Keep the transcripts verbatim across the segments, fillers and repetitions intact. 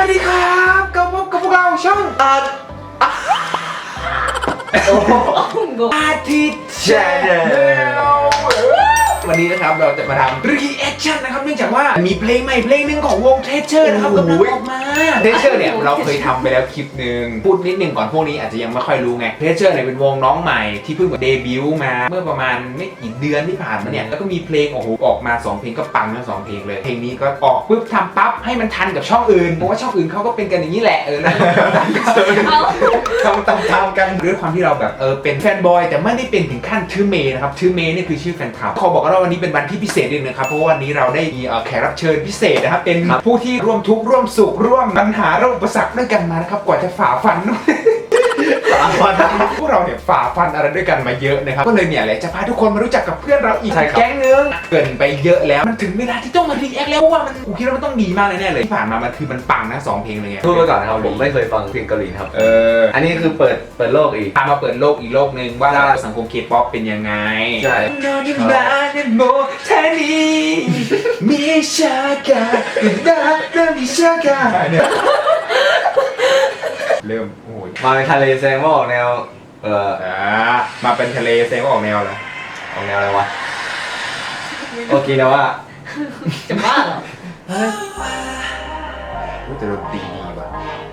วัสดีครับกับพบกับพวกเราช่องอาร์ตอาทิตย์แชนแนลวันนี้นะครับเราจะมาทำ reaction นะครับเนื่องจากว่ามีเพลงใหม่เพลงหนึ่งของวง Treasure นะครับกำลังออกมา Treasure เนี่ยเราเคยทำไปแล้วคลิปหนึ่งพูดนิดหนึ่งก่อนพวกนี้อาจจะยังไม่ค่อยรู้ไง Treasure เนี่ยเป็นวงน้องใหม่ที่เพิ่งเดบิวต์มาเมื่อประมาณไม่กี่เดือนที่ผ่านมาเนี่ยแล้วก็มีเพลงโอ้โหออกมาสองเพลงก็ปังทั้งสองเพลงเลยเพลงนี้ก็ออกปุ๊บทำปั๊บให้มันทันกับช่องอื่นเพราะว่าช่องอื่นเขาก็เป็นกันอย่างนี้แหละเออแล้วทำตามๆกันด้วยความที่เราแบบเออเป็นแฟนบอยแต่ไม่ได้เป็นถึงขั้นชื่อเมย์นะครับชื่อเมย์นี่คือชื่อแฟนคลับเขาบอกว่าวันนี้เป็นวันที่พิเศษนิดนึงครับเพราะว่าวันนี้เราได้มีแขกรับเชิญพิเศษนะครับเป็นผู้ที่ร่วมทุกข์ร่วมสุขร่วมปัญหาร่วมอุปสรรคด้วยกันมานะครับกว่าจะฝ่าฟันฝ่าฟันพวกเราเนี่ยฝ่าฟันอะไรด้วยกันมาเยอะนะครับก็เลยเนี่ยแหละจะพาทุกคนมารู้จักกับเพื่อนเราอีกแก๊งนึงเกินไปเยอะแล้วมันถึงเวลาที่ต้องมารีแอคแล้วเพราะว่ามันกูคิดว่ามันต้องดีมากแน่เลยที่ผ่านมามันคือมันปังนะสองเพลงเลยพูดไปก่อนนะครับผมไม่เคยฟังเพลงเกาหลีครับเอออันนี้คือเปิดเปิดโลกอีกพามาเปิดโลกอีกโลกนึงว่าสังคมเคป๊อปเป็นยังไงใช่นอนอยู่บ้านในโมเทนีมีชากาดาเริ่มมีชากาเนี่ยเริ่มโอ้ยมาเป็นทะเลแสดงว่าออกแนวเอออ่ามาเป็นทะเลแสดงว่าออกแนวอะไรออกแนวอะไรวะโอเคนะว่าจะบ้าเหรอเฮ้ยแต่ดนตรีดีว่ะ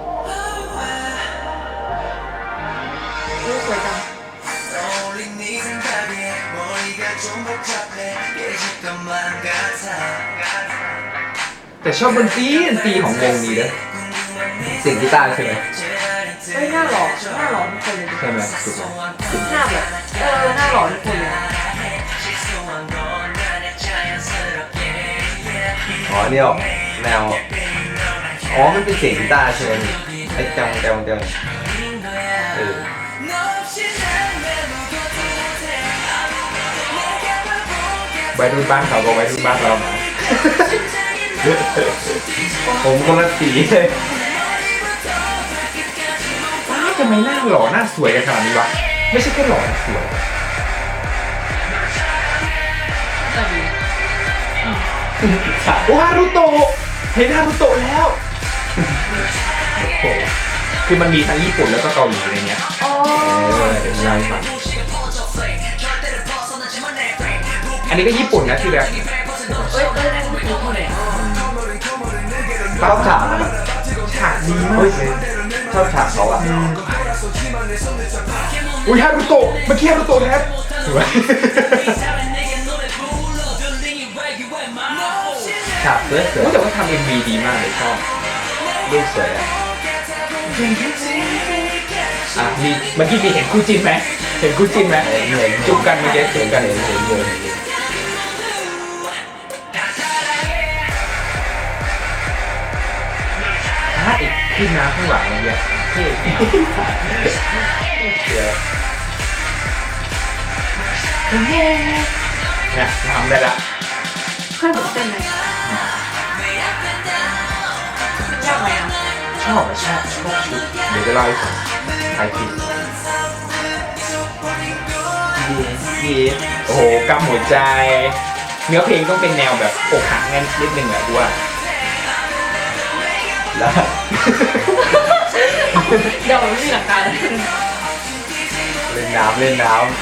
รู้สวยจังแต่ชอบดนตรีดนตรีของวงนี้นะเสียงกีตาร์ใช่ไหมเฮ้ยหน้าหล่อหน้าหล่อทุกคนเลยใช่ไหมถูกไหมหน้าแบบเออหน้าหล่อทุกคนเลยอ๋อนี่ออกแนวอ๋อมันเป็นเสียงกีตาร์ใช่ไหมไอ้จังจังจังเออไว้รุ่นบ้านเขาก็ไว้รุ่นบ้านเราผมคนละสีเลยว้าทำไมหน้าหล่อหน้าสวยกันขนาดนี้วะไม่ใช่แค่หล่อนะสวยโอ้ฮารุโตะเห็นฮารุโตะแล้วโอ้โหคือมันมีทั้งญี่ปุ่นแล้วก็เกาหลีอะไรเงี้ยอ๋อเดี๋ยวเราฟังอันนี้ก็ญี่ปุ่นนะที่แบบเอ้ยเอ้ยนั่นคือคนไหนชอบฉากฉากดีมากเลยชอบฉากเขาอ่ะอุ้ยฮารุโตะเมื่อกี้ฮารุโตะแท้ฉากเสื้อเสือแต่ว่าทำเอ็มวีดีมากเลยชอบรูปสวยอ่ะอ่ะมีเมื่อกี้มีเห็นคู่จิ้นไหมเห็นคู่จิ้นไหมจุ๊บกันเมื่อกี้จุ๊บกันเห็นเห็นเยอะถ้าอีกขึ้นน้ำข้างหลังอะไรเงี้ยเท่เดี๋ยวเนี่ยทำได้ละค่อยบอกเต้นไหมยากไหมอ่ะชอบชอบชอบชุดเดี๋ยวจะเล่าให้ฟังใครคิดดีโอ้โหกำหัวใจเนื้อเพลงต้องเป็นแนวแบบอกหักงั้นนิดนึงแหละด้วยแล้วเดี๋ยวไม่มีหลักการเล่นน้ำเล่นน้ำ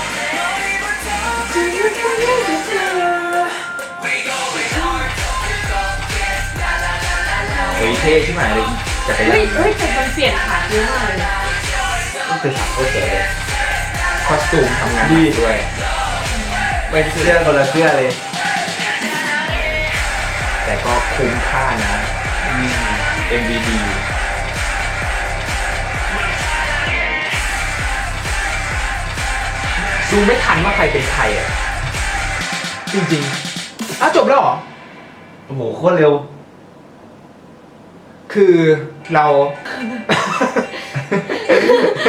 เฮ้ยเท่ใช่ไหมเลยจักรยานเฮ้ยเฮ้ยแต่มันเปลี่ยนขาเยอะมากเลยต้องเป็นฉากโคตรสวยเลยคอสตูมทำงานดีด้วยไม่เสื้อคนละเสื้อเลยแต่ก็คุ้มค่านะ เอ็ม วี ดี ดูไม่ทันว่าใครเป็นใครอ่ะจริงๆอ้าวจบแล้วเหรอโอ้โหโคตรเร็วคือเรา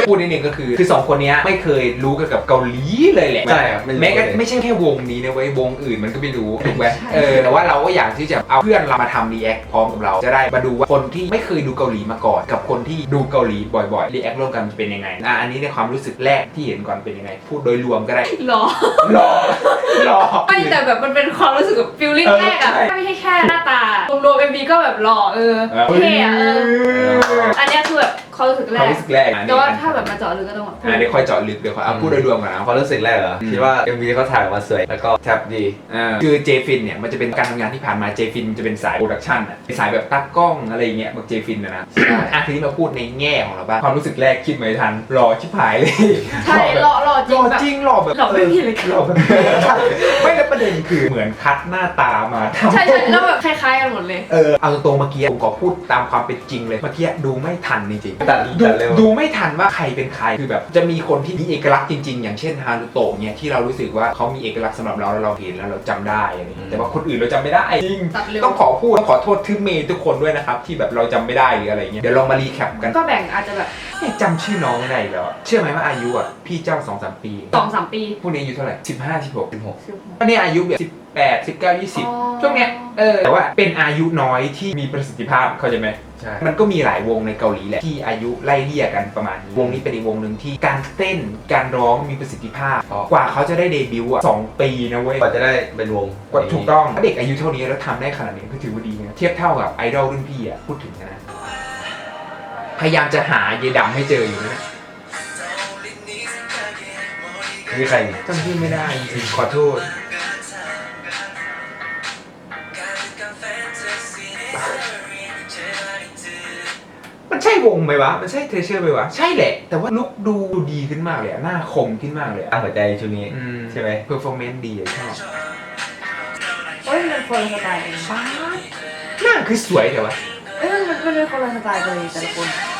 พูดนิดนึงก็คือคือสองคนเนี้ยไม่เคยรู้เกี่ยวกับเกาหลีเลยแหละใช่ครับแม้ก็ไม่ใช่แค่วงนี้นะเว้ยวงอื่นมันก็ไม่รู้ถูกไหมเออแต่ว่าเราก็อยากที่จะเอาเพื่อนเรามาทำรีแอคพร้อมกับเราจะได้มาดูว่าคนที่ไม่เคยดูเกาหลีมาก่อนกับคนที่ดูเกาหลีบ่อยๆรีแอคร่วมกันจะเป็นยังไงอ่ะอันนี้ในความรู้สึกแรกที่เห็นก่อนเป็นยังไงพูดโดยรวมก็ได้หรอหล่อหล่อไม่แต่แบบมันเป็นความรู้สึกแบบฟิลลิ่งเออแรกอะใช่ไม่ใช่แค่หน้าตารวมๆเอ็มวีก็แบบหล่อเออเท่อะเอออันเนี้ยคือแบบความรู้สึกแรความกรู้สึกแรกอันนี้แต่ว่าถ้าแบบมาเจาะลึกก็ต้องแบบอันนี้ค่อยเจาะลึกเดี๋ยวค่อยเอาพูดโดยรวมก่อนนะความรู้สึกแรกเหรออืมคิดว่า เอ็ม วี เขาถ่ายออกมาสวยแล้วก็แทบดีอ่าคือเจฟินเนี่ยมันจะเป็นการทำงานที่ผ่านมาเจฟินจะเป็นสายโปรดักชันอ่ะเป็นสายแบบตัดกล้องอะไรอย่างเงี้ยแบบเจฟินนะนะอ่ะทีนี้มาพูดในแง่ของเราบ้างความรู้สึกแรกคิดไม่ทันรอชิบหายเลยใช่หล่อหล่อจหริล่งอแบบจริงหล่อแบบหล่อไม่มีเลยหล่อแบบไม่แล้วประเด็นคือเหมือนคัดหน้าตามาทำใช่ใช่แล้วแบบคล้ายๆกันหมดเลยเออเอาตรงๆเมื่อกี้ผมขอพูดตามความเป็นจริงเลยเมื่อกี้ดูไม่ทันจริงๆตัดดูตัดเร็วดูไม่ทันว่าใครเป็นใครคือแบบจะมีคนที่มีเอกลักษณ์จริงๆ อย่างเช่นฮารุโตะเนี่ยที่เรารู้สึกว่าเขามีเอกลักษณ์สำหรับเราแล้วเราเห็นแล้วเราจำได้อะไรอย่างเงี้ยแต่ว่าคนอื่นเราจำไม่ได้จริงตัดเร็วต้องขอพูดต้องขอโทษทึ่เมย์ทุกคนด้วยนะครับที่แบบเราจำไม่ได้หรืออะไรเงี้ยเดี๋ยวลองมารีแคปกันก็แบ่งอาจจะแบบเนี่ยจำชื่อน้องไม่ได้อีกแล้วอะเชื่อไหมว่าอายุอ่ะพี่เจ้าสองสามปีสองสามปีพวกนี้อายุเท่าไหร่สิบห้าสิบหกสิบหกอันนี้อายุแบบสิบแปดสิบเก้ายี่สิบอ๋อช่วงเนี้ยเออแต่ว่าเป็นอายุน้อยที่มีประสิทธิภาพเข้าใจไหมใช่มันก็มีหลายวงในเกาหลีแหละที่อายุไล่เลี่ยกันประมาณนี้วงนี้เป็นอีกวงหนึ่งที่การเต้นการร้องมีประสิทธิภาพ กว่าเขาจะได้เดบิวต์อ่ะสองปีนะเว้ยกว่าจะได้เป็นวงกว่าถูกต้องถ้าเด็กอายุเท่านี้แล้วทำได้ขนาดนี้ก็ถือว่าดีนะเทียบเท่ากับไอดอลรุ่นพี่อ่ะพูดถึงนะพยายามจะหาเยดำให้เจออยู่นะนี่ใครนี่จำชื่อไม่ได้จริงๆขอโทษมันใช่วงไหมวะมันใช่เทเชอร์ไหมวะใช่แหละแต่ว่าลุคดูดีขึ้นมากเลยอะหน้าคมขึ้นมากเลยอะตั้งหัวใจชุดนี้ ใช่ไหมเพอร์ฟอร์แมนซ์ดีอะชอบเอ้ยมันคนละสไตล์เองฟ้าหน้าคือสวยแต่ว่าเอ้ยมันมันเป็นคนละสไตล์เลยแต่ละคน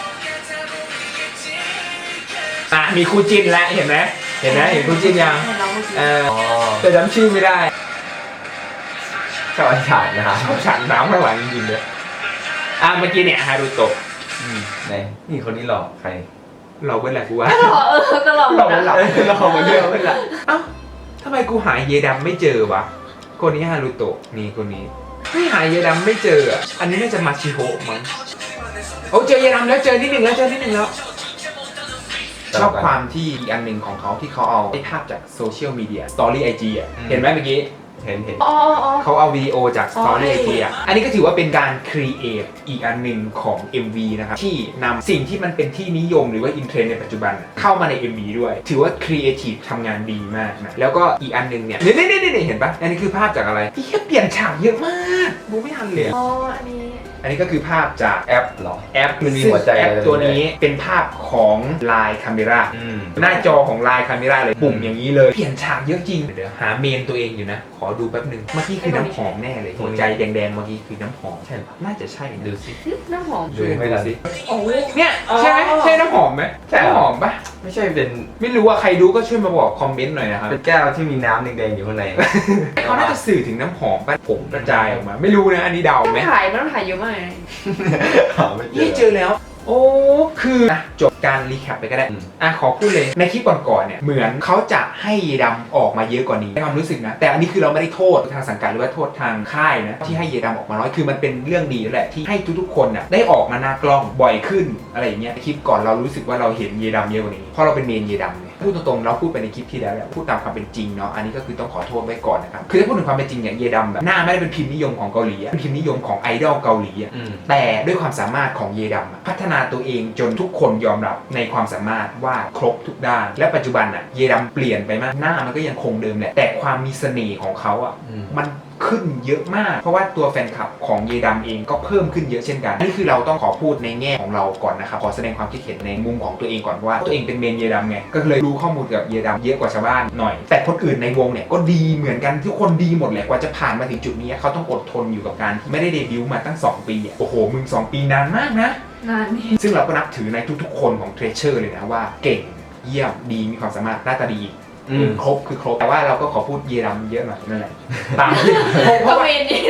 อ่ะมีคู่จิ้นแล้วเห็นไหมเห็นไหมเห็นคู่จิ้นยังเห็นน้องเมื่อกี้เอออ๋อแต่จำชื่อไม่ได้ชอบอันฉาดนะครับชอบฉันน้ำข้างหลังจริงๆเลยอ่ะเมื่อกี้เนี่ยฮารุโตะอืมไหนนี่คนนี้หลอกใครเราเป็นอะไรกูวะก็หล่อเออก็หล่อเราเป็นหลับหลอกมาเดียวไม่ละเอ้าทำไมกูหาเยดำไม่เจอวะคนนี้ฮารุโตะนี่คนนี้ไม่หาเยดำไม่เจออ่ะอันนี้น่าจะมาชิโฮะมั้งโอ้เจอเยดำแล้วเจอที่หนึ่งแล้วเจอที่หนึ่งแล้วชอบความที่อีกอันหนึ่งของเขาที่เขาเอาได้ภาพจากโซเชียลมีเดียสตอรี่ไอจีอ่ะเห็นไหมเมื่อกี้เห็นเห็นอ๋ออ๋อเขาเอาวิดีโอจากสอ๋อตอรี่ไอให้จีอ่ะอันนี้ก็ถือว่าเป็นการครีเอทอีกอันหนึ่งของ เอ็ม วี นะครับที่นำสิ่งที่มันเป็นที่นิยมหรือว่าอินเทรนด์ในปัจจุบันอะเข้ามาใน เอ็ม วี ด้วย ถือว่าครีเอทีฟทำงานดีมากนะแล้วก็อีกอันหนึงเนี่ยนี่นี่นี่นี่เห็นปะอันนี้คือภาพจากอะไรที่แค่เปลี่ยนฉากเยอะมากดูไม่ทันเลยอะอ๋ออันนี้อันนี้ก็คือภาพจากแอปเหรอแอปมันมีหัวใจแอปอะไรตัวนี้เป็นภาพของ Line Camera อืมหน้าจอของ Line Camera เลยปุ่มอย่างนี้เลยเปลี่ยนฉากเยอะจริงเดี๋ยวหาเมนตัวเองอยู่นะขอดูแป๊บหนึงเมื่อกี้คือน้ำหอมแน่เลยหัวใจแดงๆเมื่อกี้คือน้ำหอมใช่ปะน่าจะใช่นะดูสิน้ำหอมดูไม่ทันโอ้ยเนี่ยอ๋อใช่ไหมใช่น้ำหอมไหมใช่เหรอน้ำหอมปะไม่ใช่เป็นไม่รู้ว่าใครรู้ก็ช่วยมาบอกคอมเมนต์หน่อยนะครับเป็นแก้วที่มีน้ำแดงๆอยู่ข้างในเขาน่าจะสื่อถึงน้ำหอมปะผงกระจายออกมา ไม่รู้นะอันนี้เดาต้องไหมถ่ายมันต้องถ่ายเยอะมากเลยหาไม่เจนี่อเจอแล้ว โอ้คืออ่ะจบการรีแคปไปก็ได้อืมอ่ะขอพูดเลยในคลิปก่อนๆเนี่ยเหมือนเขาจะให้เยดำออกมาเยอะกว่านี้ในความรู้สึกนะแต่อันนี้คือเราไม่ได้โทษทางสังกัดหรือว่าโทษทางค่ายนะที่ให้เยดำออกมาน้อยคือมันเป็นเรื่องดีแล้วแหละที่ให้ทุกๆคนน่ะได้ออกมาหน้ากล้องบ่อยขึ้นอะไรอย่างเงี้ยคลิปก่อนเรารู้สึกว่าเราเห็นเยดำเยอะกว่านี้เพราะเราเป็นเมนเยดำเนี่ยพูดตรงๆเราพูดไปในคลิปที่แล้วแหละพูดตามความเป็นจริงเนาะอันนี้ก็คือต้องขอโทษไว้ก่อนนะครับคือถ้าพูดถึงความเป็นจริงเนี่ยเยดำแบบหน้าไม่ได้เป็นพิมพ์นิยมของเกาหลีอะเป็นพิมพ์นิยมของไอดอลเกาหลีอะอืมแต่ด้วยความสามารถของเยดำอะพัฒนาตัวเองจนทุกคนยอมรับในความสามารถว่าครบทุกด้าน และปัจจุบันอ่ะเยดำเปลี่ยนไปมากหน้ามันก็ยังคงเดิมแหละแต่ความมีเสน่ห์ของเขาอ่ะอืมมันขึ้นเยอะมาก เพราะว่าตัวแฟนคลับของเยดำเองก็เพิ่มขึ้นเยอะเช่นกันนี่คือเราต้องขอพูดในแง่ของเราก่อนนะครับขอแสดงความคิดเห็นในมุมของตัวเองก่อนว่าตัวเองเป็นเมนเยดำไงก็เลยรู้ข้อมูลกับเยดำเยอะกว่าชาวบ้านหน่อย แต่คนอื่นในวงเนี่ยก็ดีเหมือนกันทุกคนดีหมดแหละกว่าจะผ่านมาถึงจุดนี้เขาต้องอดทนอยู่กับการที่ไม่ได้เดบิวต์มาตั้งสองปีอะโอ้โหมึงสองปีนานมากนะงานนี้ซึ่งเราก็นับถือในทุกๆคนของเทรเชอร์เลยนะว่าเก่งเยี่ยมดีมีความสามารถหน้าตาดีอืมครบคือครบแต่ว่าเราก็ขอพูดเยดำเยอะหน่อยนั่นแหละตามที่เพก็ราะว่าเมนนี่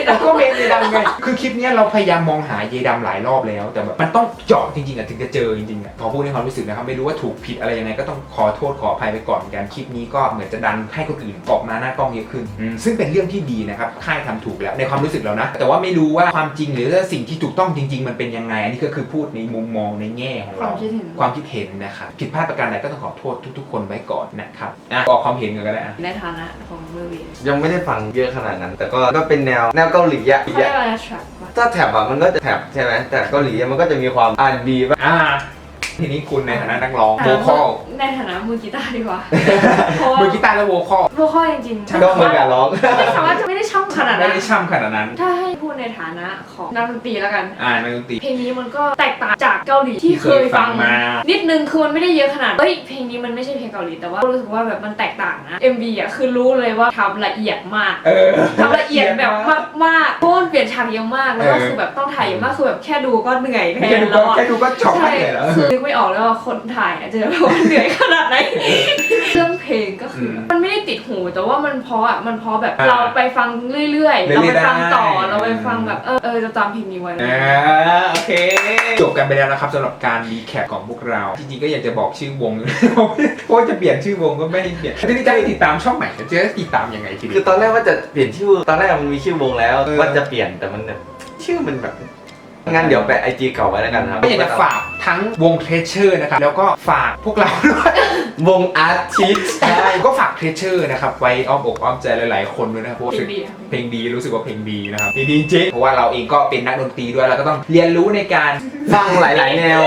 ก็เมนเยดำไงคือคลิปเนี้ยเราพยายามมองหาเยดำหลายรอบแล้วแต่แบบมันต้องเจาะจริงๆอ่ะถึงจะเจอจริงๆอ่ะขอพูดในความรู้สึกนะครับไม่รู้ว่าถูกผิดอะไรยังไงก็ต้องขอโทษขออภัยไปก่อนกันคลิปนี้ก็เหมือนจะดันให้คนอื่นออกมาหน้ากล้องเยอะขึ้นอืมซึ่งเป็นเรื่องที่ดีนะครับค่ายทำถูกแล้วในความรู้สึกเรานะแต่ว่าไม่รู้ว่าความจริงหรือว่าสิ่งที่ถูกต้องจริง ๆ มันเป็นยังไงอันนี้ก็คือพูดในมุมมองในแง่ของควาเรามคิดเห็นความคิดเห็นนะครับผิดพลาดประการใดก็ต้องขอโทษทุก ๆ คนไว้ก่อนนะครับอ่ะออกความเห็นกันก็ได้อ่ะในฐานะของเมอร์วียังไม่ได้ฟังเยอะขนาดนั้น แต่ก็ก็เป็นแนวแนวเกาหลีอะเขาเรียกว่าอะไรทรัคถ้าแท็บอะมันก็จะแท็บใช่ไหมแต่เกาหลีอะมันก็จะมีความอ่านดีบ้างอ่าทีนี้คุณในฐานะนักร้องโวคอลในฐานะมือกีตาร์ดีกว่าเพราะว่ามือกีตาร์และโวคอลโวคอลจริงๆก็เหมือนกับร้องไม่สามารถจะไม่ได้ช่องขนาดไม่นั้นได้ช่ำขนาดนั้นถ้าให้พูดในฐานะของนักดนตรีแล้วกันอ่านักดนตรีเพลงนี้มันก็แตกต่างจากเกาหลีที่เคยฟังมานิดนึงคือมันไม่ได้เยอะขนาดเฮ้ยเพลงนี้มันไม่ใช่เพลงเกาหลีแต่ว่ารู้สึกว่าแบบมันแตกต่างนะ เอ็ม วี อ่ะคือรู้เลยว่าทำละเอียดมากเออทำละเอียดแบบมากๆเพราะมันเปลี่ยนฉากเยอะมากแล้วก็เออคือแบบต้องถ่ายเยอะมากคือแบบแค่ดูก็เหนื่อยแทแค่นดูแล้ก็วอะแค่ดูก็ช็อกใช่ไปเลยแล้วคือนึกไม่ออกแล้วว่าคนถ่ายอะจะแบบว่าเหนื่อยขนาดไหนเรื่องเพลงก็คือ มันไม่ได้ติดหูแต่ว่ามันเพราะอ่ะมันเพราะแบบอ่าเราไปฟังเรื่อยๆ เราไปฟังต่อเรื่อยๆได้เราไปฟังแบบเออเออจะจำเพลงนี้ไว้อ่าโอเค จบกันไปแล้วนะครับสำหรับการรีแคปของพวกเรา จริงๆก็อยากจะบอกชื่อวง เพราะว่าจะเปลี่ยนชื่อวงก็ไม่ให้เปลี่ยนทีนี้จะไปติดตามช่องใหม่จะติดตามยังไงทีคืนี้อตอนแรกว่าจะเปลี่ยนชื่อตอนแรกมันมีชื่อวงแล้วเออว่าจะเปลี่ยนแต่มันแบบชื่อมันแบบงั้นเดี๋ยวแปะไอจีเก่าไว้แล้วกันครับก็อยากจะฝากทั้งวงเทรเชอร์นะครับแล้วก็ฝากพวกเราด้วยวงอาร์ติสใช่ก็ฝากเทรเชอร์นะครับไว้อ้อมอกอ้อมใจหลายๆคนด้วยนะครับเพราะว่าเพลงดีอะเพลงดีรู้สึกว่าเพลงดีนะครับเพลงดีจริงเพราะว่าเราเองก็เป็นนักดนตรีด้วยเราก็ต้องเรียนรู้ในการฟังหลาย ๆ แนว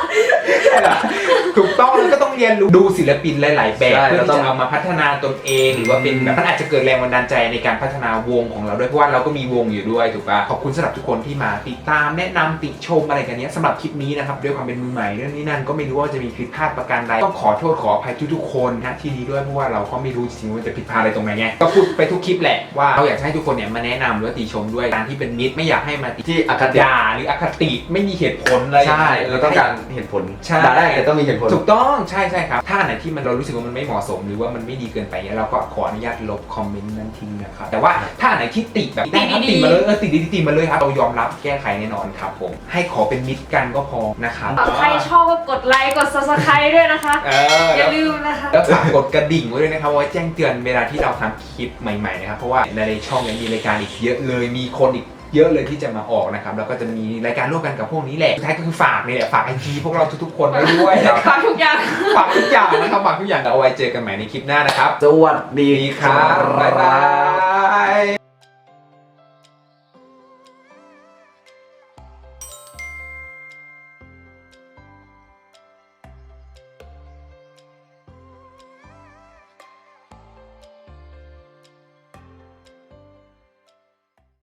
ถูกต้องแล้วก็ต้องเรียนรู้ดูศิลปินหลาย ๆ แบบใช่เพื่อเราต้ที่องจะเอามาพัฒนาตนเองหรือว่าเป็นแบบมันอาจจะเกิดแรงบันดาลใจในการพัฒนาวงของเราด้วยเพราะว่าเราก็มีวงอยู่ด้วยถูกป่ะขอบคุณสำหรับทุกคนที่มาติดตามแนะนำติชมอะไรกันเนี้ยสำหรับคลิปนี้นะครับด้วยความเป็นมือใหม่เรื่องนี้นั่นก็ไม่รู้ว่าจะมีผิดพลาดประการใดต้องขอโทษขออภัยทุกๆคนนะที่นี้ด้วยเพราะว่าเราก็ไม่รู้จริงๆว่าจะผิดพลาดอะไรตรงไหนไงก็พูดไปทุกคลิปแหละว่าเราอยากให้ทุกคนเนี่ยมาแนะนำหรือว่าติชมด้วยการที่เป็นมิตรไม่อยากให้มาติที่อคติด่าหรืออคติไม่มีเหตุผลอะไรใช่เราต้องการเหตุผลใช่ด่าได้แต่ต้องมีเหตุผลถูกต้องใช่ใช่ครับถ้าอันไหนที่มันเรารู้สึกว่ามันไม่เหมาะสมหรือว่ามันไม่ดีเกินไปเนี่ยเราก็ขออนุญาตลบคอมเมนต์นั้นทิ้งนะครับแต่ว่าถ้าอันไหนที่ติแบบได้ครับติมาเลยเออติดีๆติมาเลยครับเรายอมรับแก้ไขแน่นอนครับผมให้ขอเป็นมิตรกันก็พอนะครับใครชอบก็กดไลค์กด ซับสไครบ์ ด้วยนะคะเอออย่าลืมนะคะแล้วฝากกดกระดิ่งไว้ด้วยนะครับไว้แจ้งเตือนเวลาที่เราทำคลิปใหม่ๆนะครับเพราะว่าในช่องยังมีรายการอีกเยอะเลยมีคนอีกเยอะเลยที่จะมาออกนะครับแล้วก็จะมีรายการร่วมกันกับพวกนี้แหละสุดท้ายก็คือฝากนี่แหละฝากไอจีพวกเราทุกๆคนไว้ด้วยครับฝากทุกอย่างฝากทุกอย่างนะครับฝากทุกอย่างเอาไว้เจอกันใหม่ในคลิปหน้านะครับสวัสดีดีครับบ๊ายบาย